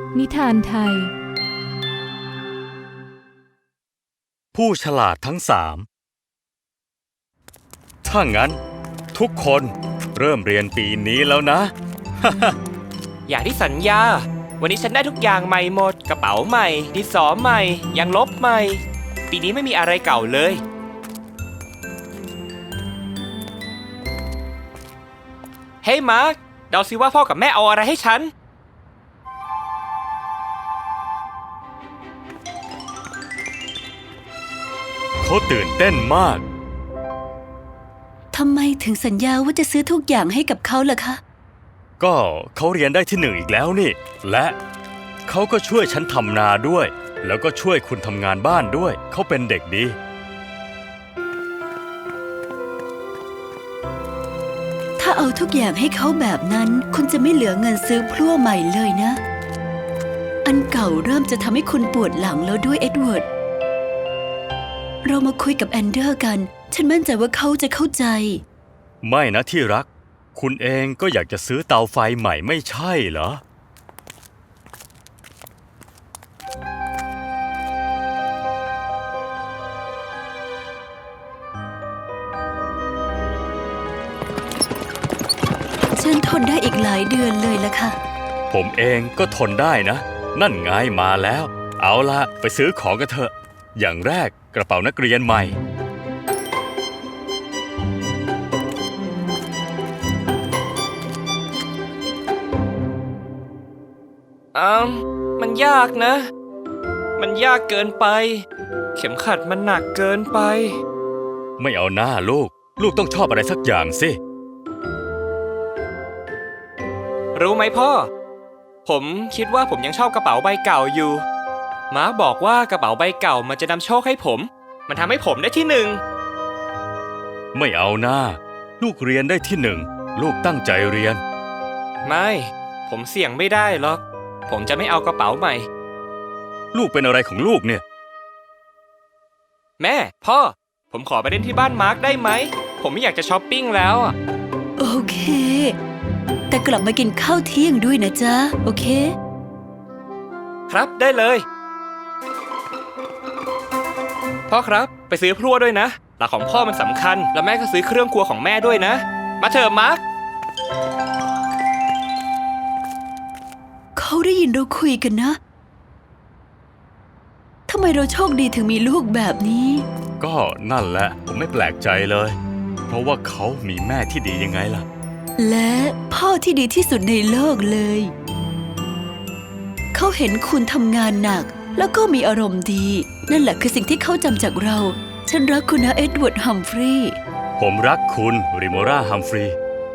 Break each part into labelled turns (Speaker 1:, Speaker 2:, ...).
Speaker 1: นิทานไทย
Speaker 2: ผู้ฉลาดทั้งสามถ้างั้นทุกคนเริ่มเรียนปีนี้แล้วนะ
Speaker 3: อย่างที่สัญญาวันนี้ฉันได้ทุกอย่างใหม่หมดกระเป๋าใหม่ดินสอใหม่ยางลบใหม่ปีนี้ไม่มีอะไรเก่าเลยเฮ้ยมาร์คเดาซิว่าพ่อกับแม่เอาอะไรให้ฉัน
Speaker 2: เขาตื่นเต้นมาก
Speaker 4: ทำไมถึงสัญญาว่าจะซื้อทุกอย่างให้กับเขาล่ะคะ
Speaker 2: ก็เขาเรียนได้ที่หนึ่งอีกแล้วนี่และเขาก็ช่วยฉันทำนาด้วยแล้วก็ช่วยคุณทำงานบ้านด้วยเขาเป็นเด็กดี
Speaker 4: ถ้าเอาทุกอย่างให้เขาแบบนั้นคุณจะไม่เหลือเงินซื้อพลั่วใหม่เลยนะอันเก่าเริ่มจะทำให้คุณปวดหลังแล้วด้วยเอ็ดเวิร์ดเรามาคุยกับแอนเดอร์กันฉันมั่นใจว่าเขาจะเข้าใจ
Speaker 2: ไม่นะที่รักคุณเองก็อยากจะซื้อเตาไฟใหม่ไม่ใช่เหรอ
Speaker 4: ฉันทนได้อีกหลายเดือนเลยละค่ะ
Speaker 2: ผมเองก็ทนได้นะนั่นไงมาแล้วเอาล่ะไปซื้อของกันเถอะอย่างแรกกระเป๋านักเรียนใหม่
Speaker 3: มันยากนะมันยากเกินไปเข็มขัดมันหนักเกินไป
Speaker 2: ไม่เอาหน้าลูกต้องชอบอะไรสักอย่างสิ
Speaker 3: รู้ไหมพ่อผมคิดว่าผมยังชอบกระเป๋าใบเก่าอยู่ม้าบอกว่ากระเป๋าใบเก่ามันจะนำโชคให้ผมมันทำให้ผมได้ที่หนึ่ง
Speaker 2: ไม่เอาหน้าลูกเรียนได้ที่หนึ่งลูกตั้งใจเรียน
Speaker 3: ไม่ผมเสี่ยงไม่ได้หรอกผมจะไม่เอากระเป๋าใหม่
Speaker 2: ลูกเป็นอะไรของลูกเนี่ย
Speaker 3: แม่พ่อผมขอไปเล่นที่บ้านมาร์คได้ไหมผมไม่อยากจะช้อปปิ้งแล้ว
Speaker 4: โอเคแต่กลับมากินข้าวเที่ยงด้วยนะจ๊ะโอเค
Speaker 3: ครับได้เลยพ่อครับไปซื้อพลั่วด้วยนะหลักของพ่อมันสำคัญแล้วแม่ก็ซื้อเครื่องครัวของแม่ด้วยนะมาเถอะมาร์ค
Speaker 4: เขาได้ยินเราคุยกันนะทำไมเราโชคดีถึงมีลูกแบบนี้
Speaker 2: ก็นั่นแหละผมไม่แปลกใจเลยเพราะว่าเขามีแม่ที่ดียังไงล่ะ
Speaker 4: และพ่อที่ดีที่สุดในโลกเลยเขาเห็นคุณทำงานหนักแล้วก็มีอารมณ์ดีนั่นแหละคือสิ่งที่เขาจำจากเราฉันรักคุณนะเอ็ดเวิร์ดฮัมฟรีย์
Speaker 2: ผมรักคุณริโมราฮัมฟรีย์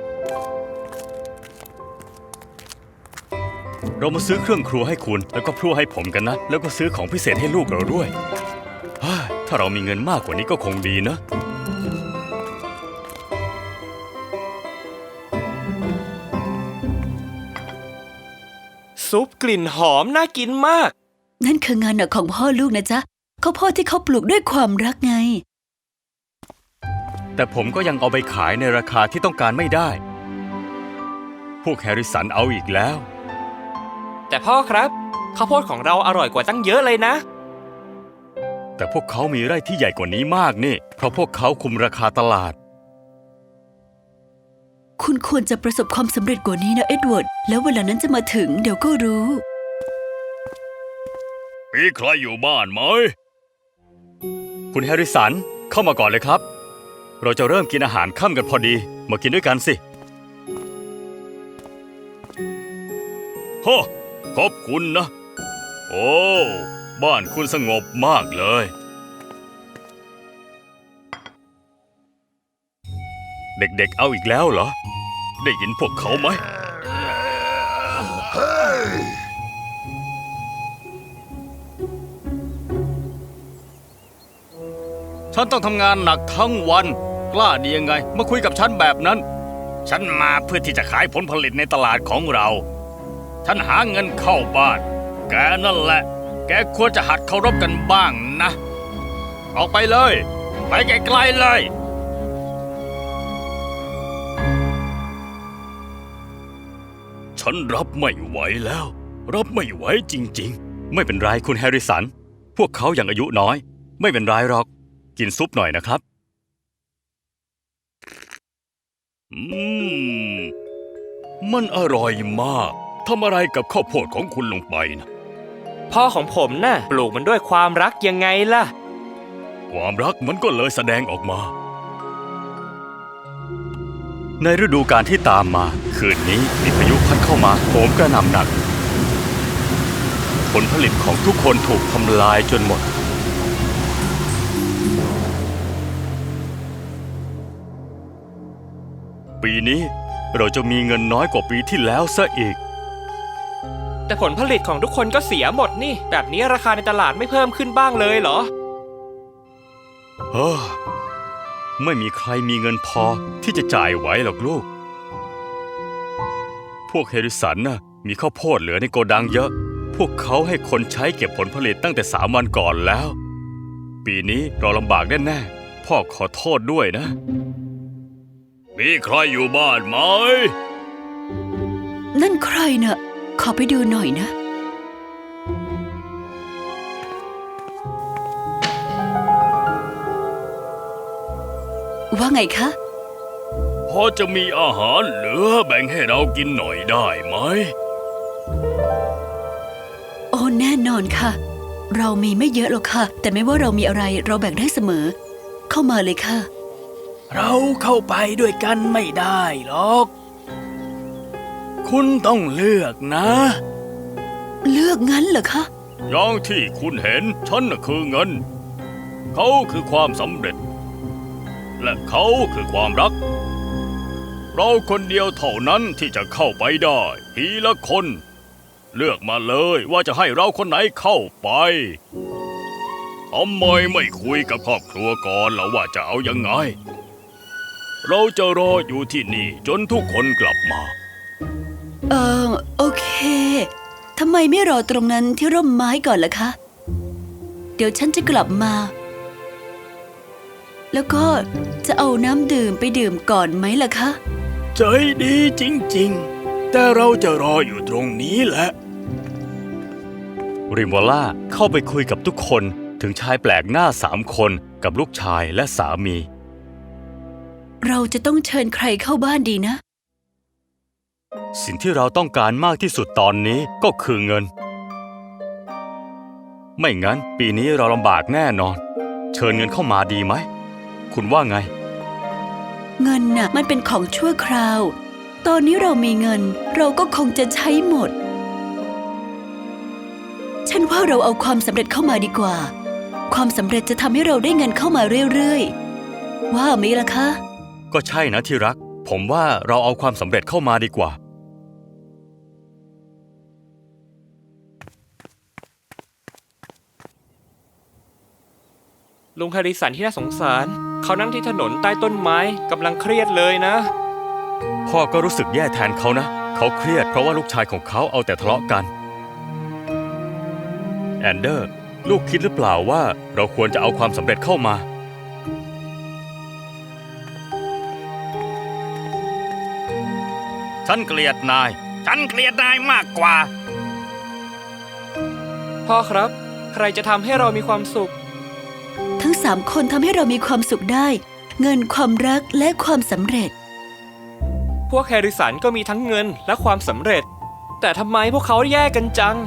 Speaker 2: เรามาซื้อเครื่องครัวให้คุณแล้วก็พลั่วให้ผมกันนะแล้วก็ซื้อของพิเศษให้ลูกเราด้วยถ้าเรามีเงินมากกว่านี้ก็คงดีนะ
Speaker 3: ซุปกลิ่นหอมน่ากินมาก
Speaker 4: นั่นคืองานหนักของพ่อลูกนะจ๊ะข้าวโพดที่เขาปลูกด้วยความรักไง
Speaker 2: แต่ผมก็ยังเอาไปขายในราคาที่ต้องการไม่ได้พวกแฮร์ริสันเอาอีกแล้ว
Speaker 3: แต่พ่อครับข้าวโพดของเราอร่อยกว่าตั้งเยอะเลยนะ
Speaker 2: แต่พวกเขามีไร่ที่ใหญ่กว่านี้มากนี่เพราะพวกเขาคุมราคาตลาด
Speaker 4: คุณควรจะประสบความสำเร็จกว่านี้นะเอ็ดเวิร์ดแล้วเวลานั้นจะมาถึงเดี๋ยวก็รู้
Speaker 2: มีใครอยู่บ้านไหมคุณแฮร์ริสันเข้ามาก่อนเลยครับเราจะเริ่มกินอาหารค่ำกันพอดีมากินด้วยกันสิโฮ้ขอบคุณนะโอ้บ้านคุณสงบมากเลยเด็กๆเอาอีกแล้วเหรอได้ยินพวกเขาไหมฉันต้องทำงานหนักทั้งวันกล้าดียังไงมาคุยกับฉันแบบนั้นฉันมาเพื่อที่จะขายผลผลิตในตลาดของเราฉันหาเงินเข้าบ้านแกนั่นแหละแกควรจะหัดเคารพกันบ้างนะออกไปเลยไปไกลๆเลยฉันรับไม่ไหวแล้วรับไม่ไหวจริงๆ ไม่เป็นไรคุณแฮร์ริสัน พวกเขายังอายุน้อย ไม่เป็นไรหรอก กินซุปหน่อยนะครับ มันอร่อยมาก ทำอะไรกับข้าวโพดของคุณลงไปนะ
Speaker 3: พ่อของผมน่ะปลูกมันด้วยความรักยังไงล่ะ
Speaker 2: ความรักมันก็เลยแสดงออกมา ในฤดูกาลที่ตามมา คืนนี้มีพายุพัดเข้ามาโหมกระหน่ำหนัก ผลผลิตของทุกคนถูกทำลายจนหมด ปีนี้เราจะมีเงินน้อยกว่าปีที่แล้วซะอีก
Speaker 3: แต่ผลผลิตของทุกคนก็เสียหมดนี่ แบบนี้ราคาในตลาดไม่เพิ่มขึ้นบ้างเลยเหรอ
Speaker 2: เฮ้อไม่มีใครมีเงินพอที่จะจ่ายไหวหรอกลูก พวกเฮริสันน่ะมีข้าวโพดเหลือในโกดังเยอะ พวกเขาให้คนใช้เก็บผลผลิตตั้งแต่3 วันก่อนแล้ว ปีนี้เราลำบากแน่ๆ พ่อขอโทษด้วยนะ มีใครอยู่บ้านไหม
Speaker 4: นั่นใครน่ะ ขอไปดูหน่อยนะ ว่าไงคะ
Speaker 2: พอจะมีอาหารเหลือแบ่งให้เรากินหน่อยได้ไหม
Speaker 4: โอ้แน่นอนค่ะ เรามีไม่เยอะหรอกค่ะ แต่ไม่ว่าเรามีอะไรเราแบ่งได้เสมอ เข้ามาเลยค่ะ
Speaker 1: เราเข้าไปด้วยกันไม่ได้หรอก คุณต้องเลือกนะ
Speaker 4: เลือกงั้นเหรอคะ
Speaker 2: อย่างที่คุณเห็นฉันน่ะคือเงิน เขาคือความสำเร็จ และเขาคือความรัก เราคนเดียวเท่านั้นที่จะเข้าไปได้ทีละคน เลือกมาเลยว่าจะให้เราคนไหนเข้าไปทำไมไม่คุยกับครอบครัวก่อนล่ะว่าจะเอายังไง เราจะรออยู่ที่นี่จนทุกคนกลับมา
Speaker 4: โอเค ทำไมไม่รอตรงนั้นที่ร่มไม้ก่อนล่ะคะ เดี๋ยวฉันจะกลับมา แล้วก็จะเอาน้ำดื่มไปดื่มก่อนไหมล่ะคะ
Speaker 1: ใจดีจริงๆ แต่เราจะรออยู่ตรงนี้แหละ
Speaker 2: ริมวอล่าเข้าไปคุยกับทุกคนถึงชายแปลกหน้า3 คนกับลูกชายและสามี
Speaker 4: เราจะต้องเชิญใครเข้าบ้านดีนะ
Speaker 2: สิ่งที่เราต้องการมากที่สุดตอนนี้ก็คือเงิน ไม่งั้นปีนี้เราลำบากแน่นอน เชิญเงินเข้ามาดีไหม คุณว่าไง
Speaker 4: เงินน่ะมันเป็นของชั่วคราว ตอนนี้เรามีเงิน เราก็คงจะใช้หมด ฉันว่าเราเอาความสำเร็จเข้ามาดีกว่า ความสำเร็จจะทำให้เราได้เงินเข้ามาเรื่อยๆ ว่าไหมล่ะคะ
Speaker 2: ก็ใช่นะที่รัก ผมว่าเราเอาความสำเร็จเข้ามาดีกว่า
Speaker 3: ลุงแฮร์ริสันที่น่าสงสาร เขานั่งที่ถนนใต้ต้นไม้กำลังเครียดเลยนะ
Speaker 2: พ่อก็รู้สึกแย่แทนเขานะ เขาเครียดเพราะว่าลูกชายของเขาเอาแต่ทะเลาะกัน แอนเดอร์ ลูกคิดหรือเปล่าว่าเราควรจะเอาความสำเร็จเข้ามา ฉันเกลียดนาย ฉันเกลียดนายมากกว่า
Speaker 3: พ่อครับ ใครจะทำให้เรามีความสุข
Speaker 4: ทั้ง3 คนทำให้เรามีความสุขได้ เงินความรักและความสำเร็จ
Speaker 3: พวกแฮร์ริสันก็มีทั้งเงินและความสำเร็จ แต่ทำไมพวกเขาแยกกันจัง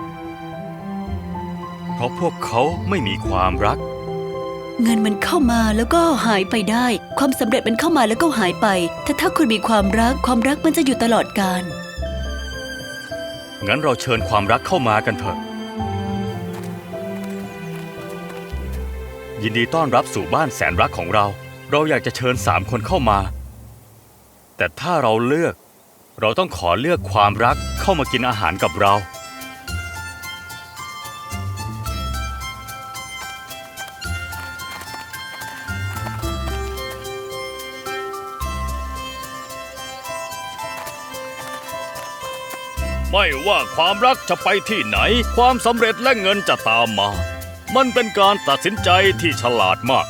Speaker 2: เพราะพวกเขาไม่มีความรัก
Speaker 4: เงินมันเข้ามาแล้วก็หายไปได้ ความสำเร็จมันเข้ามาแล้วก็หายไป แต่ถ้าคุณมีความรัก ความรักมันจะอยู่ตลอดกาล
Speaker 2: งั้นเราเชิญความรักเข้ามากันเถอะ ยินดีต้อนรับสู่บ้านแสนรักของเรา เราอยากจะเชิญ3 คนเข้ามา แต่ถ้าเราเลือก เราต้องขอเลือกความรักเข้ามากินอาหารกับเรา ไม่ว่าความรักจะไปที่ไหน ความสำเร็จและเงินจะตามมา มันเป็นการตัดสินใจที่ฉลาดมาก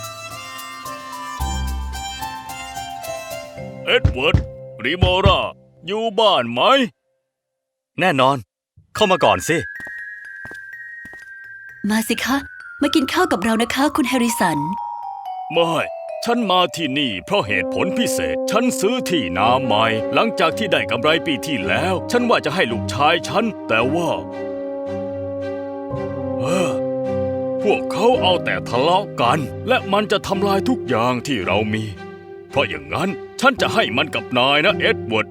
Speaker 2: เอ็ดเวิร์ด ริโมรา อยู่บ้านไหม แน่นอนเข้ามาก่อนสิ
Speaker 4: มาสิคะ มากินข้าวกับเรานะคะ คุณแฮริสัน
Speaker 2: ไม่ ฉันมาที่นี่เพราะเหตุผลพิเศษ ฉันซื้อที่นาใหม่ หลังจากที่ได้กำไรปีที่แล้ว ฉันว่าจะให้ลูกชายฉัน แต่ว่าพวกเขาเอาแต่ทะเลาะกัน และมันจะทำลายทุกอย่างที่เรามี เพราะอย่างนั้นฉันจะให้มันกับนายนะเอ็ดเวิร์ด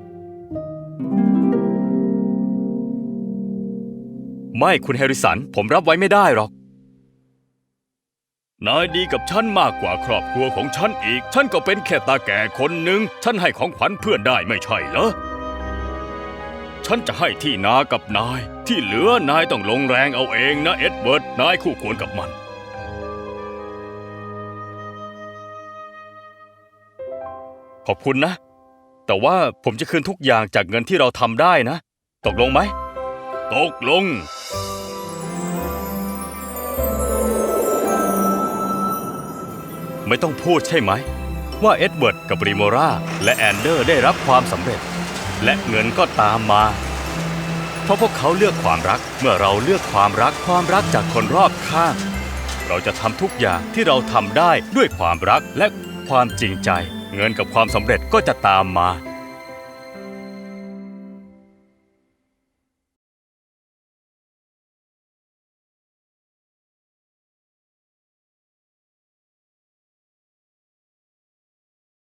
Speaker 2: ไม่คุณแฮริสัน ผมรับไว้ไม่ได้หรอก นายดีกับฉันมากกว่าครอบครัวของฉันอีก ฉันก็เป็นแค่ตาแก่คนหนึ่ง ฉันให้ของขวัญเพื่อนได้ไม่ใช่เหรอ ฉันจะให้ที่นากับนาย ที่เหลือนายต้องลงแรงเอาเองนะเอ็ดเวิร์ด นายคู่ควรกับมัน ขอบคุณนะ แต่ว่าผมจะคืนทุกอย่างจากเงินที่เราทำได้นะ ตกลงไหม ตกลง ไม่ต้องพูดใช่ไหม ว่าเอ็ดเวิร์ดกับริโมราและแอนเดอร์ได้รับความสำเร็จ และเงินก็ตามมา เพราะพวกเขาเลือกความรัก เมื่อเราเลือกความรักจากคนรอบข้าง เราจะทำทุกอย่างที่เราทำได้ด้วยความรักและความจริงใจ เงินกับความสำเร็จก็จะตามมา